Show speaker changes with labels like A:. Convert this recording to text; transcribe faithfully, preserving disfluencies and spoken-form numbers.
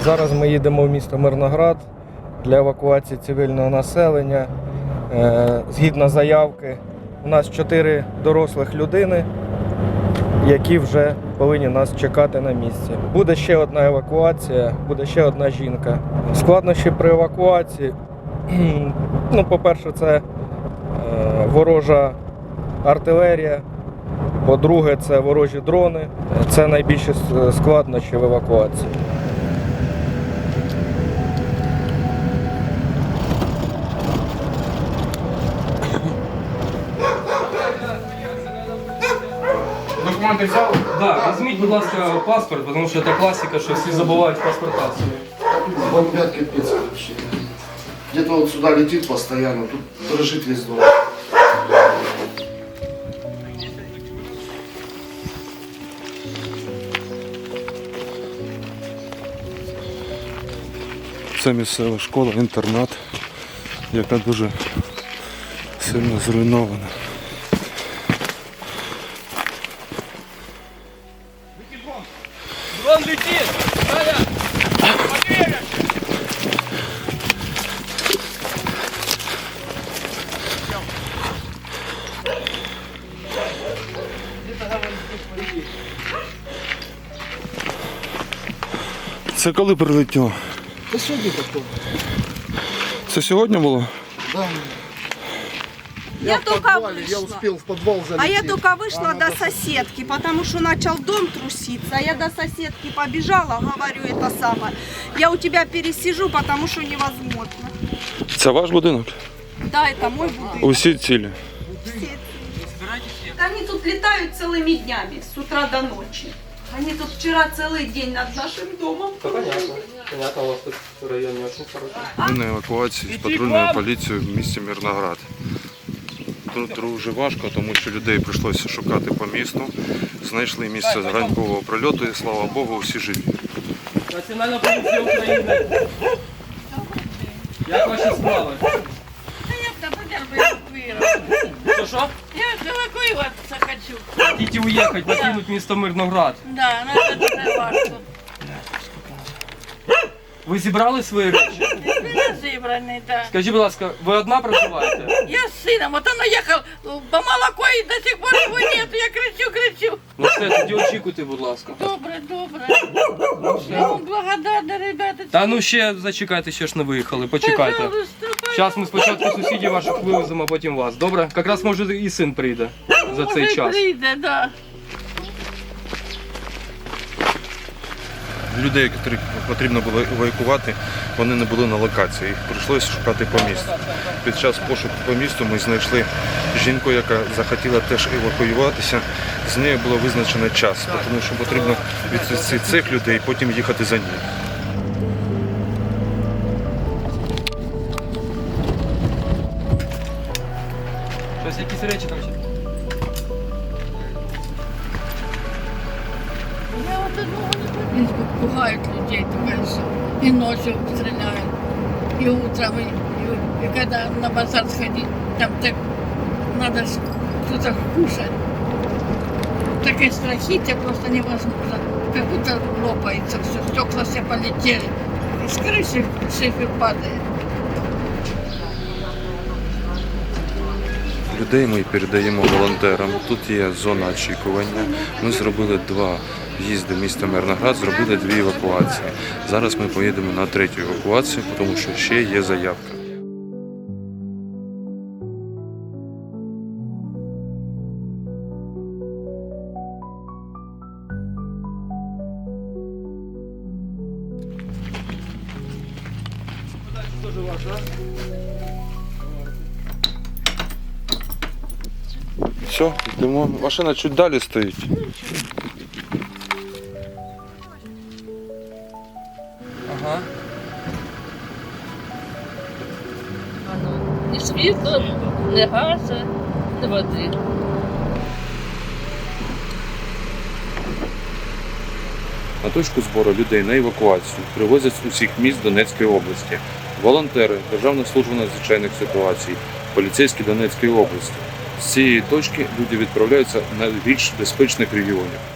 A: Зараз ми їдемо в місто Мирноград для евакуації цивільного населення. Згідно заявки, у нас чотири дорослих людини, які вже повинні нас чекати на місці. Буде ще одна евакуація, буде ще одна жінка. Складнощі при евакуації, ну, по-перше, це ворожа артилерія, по-друге, це ворожі дрони. Це найбільші складнощі в евакуації.
B: Документи взяли?
C: Да, візьміть, будь ласка, паспорт, тому що це класика, що всі забувають паспорта свої.
B: Бомбят капец вообще. Где-то вот сюда летит постоянно, тут дрожит весь дом.
D: Це місцева школа, інтернат, яка дуже сильно зруйнована.
C: Дрон летит! Саня!
D: Це коли прилетіло?
B: Да сегодня такое.
D: Це сьогодні було?
B: Да.
E: Я,
B: Я, в
E: только
B: подвале,
E: вышла.
B: я успел в подвал залететь.
E: А я только вышла
B: Она
E: до
B: до-
E: соседки, потому что начал дом труситься. Я до соседки побежала, говорю это самое. Я у тебя пересижу, потому что невозможно.
D: Це ваш будинок?
E: Да, это мой будинок.
D: Усі цілі.
E: Все. Они тут летают целыми днями, с утра до ночи. Они тут вчера целый день над нашим домом.
C: Понятно. Понятно, у вас тут район не очень хороший.
D: Ми на евакуації з патрульною поліцією в місті Мирноград. Тут дуже важко, тому що людей прийшлося шукати по місту. Знайшли місце ранкового прильоту і, слава Богу, всі живі.
C: Національна поліція України. Як ваші справи?
F: Я эвакуироваться.
C: Що, що?
F: Я эвакуироваться хочу.
C: Хотите уїхати, покинути місто Мирноград.
F: Да, но это дуже важко.
C: Ви зібрали свої речі?
F: Меня зібраний, да.
C: Скажіть, будь ласка, ви одна проживаєте?
F: Я с сыном, вот он уехал по молоко и до сих пор его нет. Я кричу, кричу.
C: Ну все, тоді очікуйте, будь ласка.
F: Добре, добре. Я вам благодарна, ребята.
C: Та ну ще зачекайте, ще ж не виїхали, почекайте.
F: Пожалуйста,
C: Зараз ми спочатку сусідів ваших вивеземо, а потім вас. Добре? Якраз може і син прийде за цей
F: може,
C: час.
F: прийде, да.
D: Людей, яких потрібно було евакуювати, вони не були на локації. Їх прийшлося шукати по місту. Під час пошуку по місту ми знайшли жінку, яка захотіла теж евакуюватися. З нею було визначено час, тому що потрібно відвести цих людей і потім їхати за ними.
C: Щось якісь речі там ще.
F: Я вот одного не помню. Пугают людей, думаешь, и ночью стреляют, и утром, и, и, и когда на базар сходить, там так надо ж что-то кушать. Такое страхите просто невозможно. Как будто лопается все, стекла все полетели. И с крыши шифы падает.
D: Людей ми передаємо волонтерам. Тут є зона очікування. Ми зробили два в'їзди в місто Мирноград, зробили дві евакуації. Зараз ми поїдемо на третю евакуацію, тому що ще є заявка. Все, йдемо. Машина чуть далі стоїть.
C: Ага.
G: Ні світла, ні газу, ні води.
D: На точку збору людей на евакуацію привозять з усіх міст Донецької області. Волонтери, Державна служба надзвичайних ситуацій, поліцейські Донецької області. З цієї точки люди відправляються на більш безпечних регіонів.